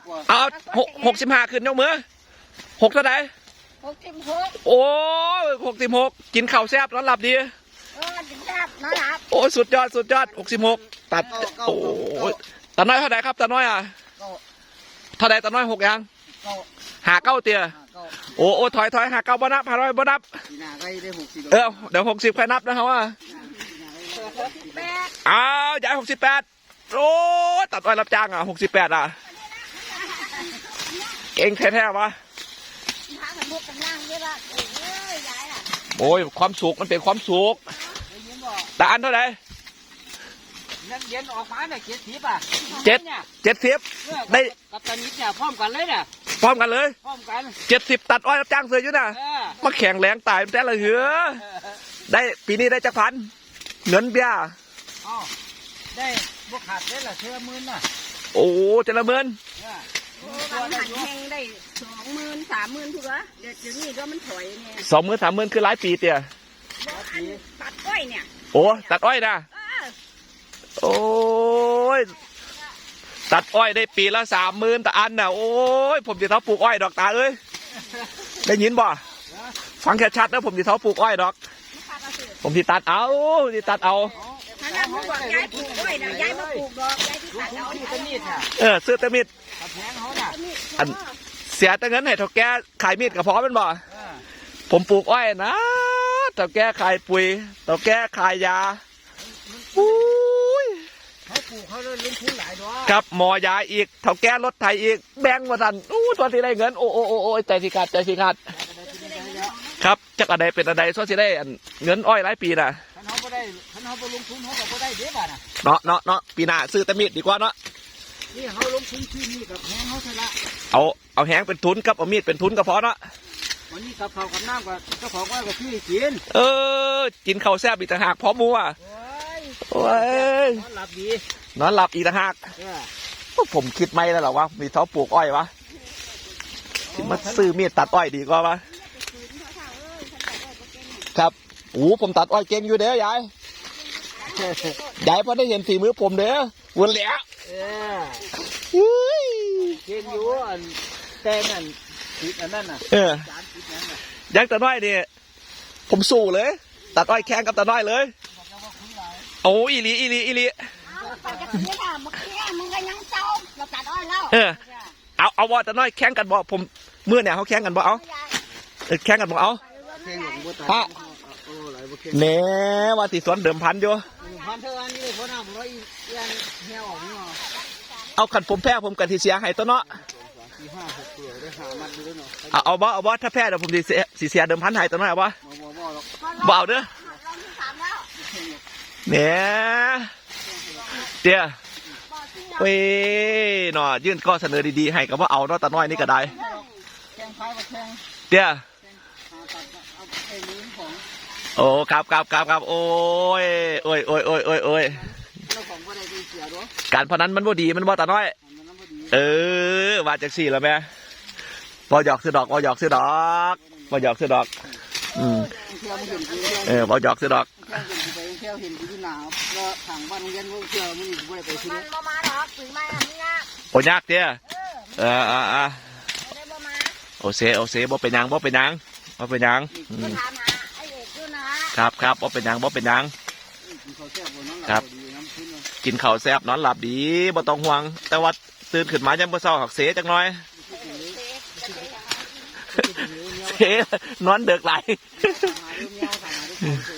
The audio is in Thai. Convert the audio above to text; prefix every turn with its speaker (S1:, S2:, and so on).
S1: เอา65ขึ้นยกมือ6เท่าไหร่
S2: 66
S1: โอ้66กินข้าวแซ่บนอนหลับดี
S2: กินแซ่บนอนหลับ
S1: โอ้สุดยอด66ตัดโอ้ตาน้อยเท่าไหร่ครับตาน้อยเท่าไหร่ตาน้อย6ยัง59เตี้ยโอ้ถอย59บ่นับ500บ่นับเดี๋ยว60ใครนับนะครับว่าอ้าวย้าย68โอ้ตัดอ้อยรับจ้าง68เก่งแท้ๆวะโอ้ยความสุขมันเป็นความสุขแต่อันเท่าไหร่
S3: นักเย็นออกมาเนี่ย
S1: 70ได้
S3: กับตอนนี้เนี่ยพร้อมกันเลยเนี่ย
S1: พร้อมกันเลย
S3: พร้อมกัน
S1: 70ตัดอ้อยรับจ้างเสืออยู่นะมาแข่งแรงตายแต่ละเหือได้ปีนี้ได้จักพันเงินเบี้ย
S3: ได้บวกขาดได้ละเชื่อมื่นน่ะ
S1: โอ้เจริญเมิน
S2: มันหันแหงได้20,000 30,000ทุกเดี๋ยวนี้ก็มันถอยเนี่ย
S1: 20,000 30,000คือหลายปีเตี้ย
S2: ตัดอ้อยเนี่ย
S1: โอ้ตัดอ้อยนะโอ้ยตัดอ้อยได้ปีละ30,000แต่อันน่ะโอ้ยผมจะเท้าปลูกอ้อยดอกตาเอ้ยได้ยินบ่ฟังแค่ชัดนะผมจะเท้าปลูกอ้อยดอกผมที่ตัดเอา
S2: ถ้าเราบอกย้ายปลูกอ้อยนะย้ายมาปลูกดอกย้ายที่ตัดเอา
S1: เนี่ยซื้อตะมิดอันเสียแต่เงินให้เท่าแก่ขายมีดกับพอเป็นบ่ผมปลูกอ้อยนะเท่าแก่ขายปุ๋ยเท่าแก่ขายยา
S3: เขาปลูกเขาเลยลงทุนหลายดอก
S1: ครับหมอยาอีกเท่าแก่รถไถอีกแบ่งมาทันตอนที่ได้เงินโอ้ใจสิขาดครับจักอะไรเป็นอะไรส่วนที่ได้เงินอ้อยหลายปีน่ะ
S3: ท่านเขาไม่ได้ลงทุนเขาก็ไม่ได้เด็บอ่ะ
S1: เนาะปีหน้าซื้อตะมิดดีกว่าเนาะ
S3: นี่เขาลงทุนที่นี่กับแหงเขาใช่ละ
S1: เอาแหงเป็นทุนกับเอามีดเป็นทุนก็พอเนาะ
S3: วันนี้กับเขากับน้ำกับเจ้าของว่ากับพี่กิน
S1: กินข้าวแซ่บอีกต่างหากพร้อมมัวโอ้ย
S3: นอนหลับดี
S1: นอนหลับอีกต่างหากผมคิดไม่แล้วหรอวะมีท้อปลูกอ้อยวะมาซื้อมีดตัดอ้อยดีกว่าวะครับผมตัดอ้อยเก่งอยู่เด้อยายพอได้เห็นฝีมือผมเด้อวนเหลียว
S3: เก่งอยู่แต่นั่นติดอันนั้นน่ะ
S1: ยังตัดอ้อยนี่ผมสู้เลยตัดอ้อยแข่งกับตัดอ้อยเลยโอ้อีลี
S2: ไปจะซื้อละเมื่อกี้มึงก็ยังเจ้าเราตัดอ้อยแล้ว
S1: เอาว่าตัดอ้อยแข่งกันบ่ผมเมื่อเนี่ยเขาแข่งกันบ่เอาแข่งกันบ่เอาฮะเน่ว่าติสวนเดิมพันอยู่เอาขันผมแพ้ผมกันที่เสียให้ตัวเนาะเอาบ่ถ้าแพ้เดี๋ยวผมสีเสียเดิมพันให้ตัวเนาะเอาบ่เอาเด้อเนี่ยเดี๋ยวเว้ยหน่อยื่นข้อเสนอดีๆให้กับว่าเอาเนาะตาน้อยนี่ก็ได้เดี๋ยวโอ้ครับโอ้ยการพนันมันบ่ดีมันบ่ตาน้อยว่าจากสี่แล้วแม่บ่หยอกซื้อดอกบ่หยอกซื้อดอกบ่หยอกซื้อดอกบ่ซื้อดอกโอ้ยากเตี้ยโอเซบ่เป็นยังครับบ่เป็นยังครับกินข้าวแซ่บนอนหลับดีบ่ต้องห่วงแต่ว่าตื่นขึ้นมายังบ่เศร้าหักเสจักหน่อยนอนเดือกไหล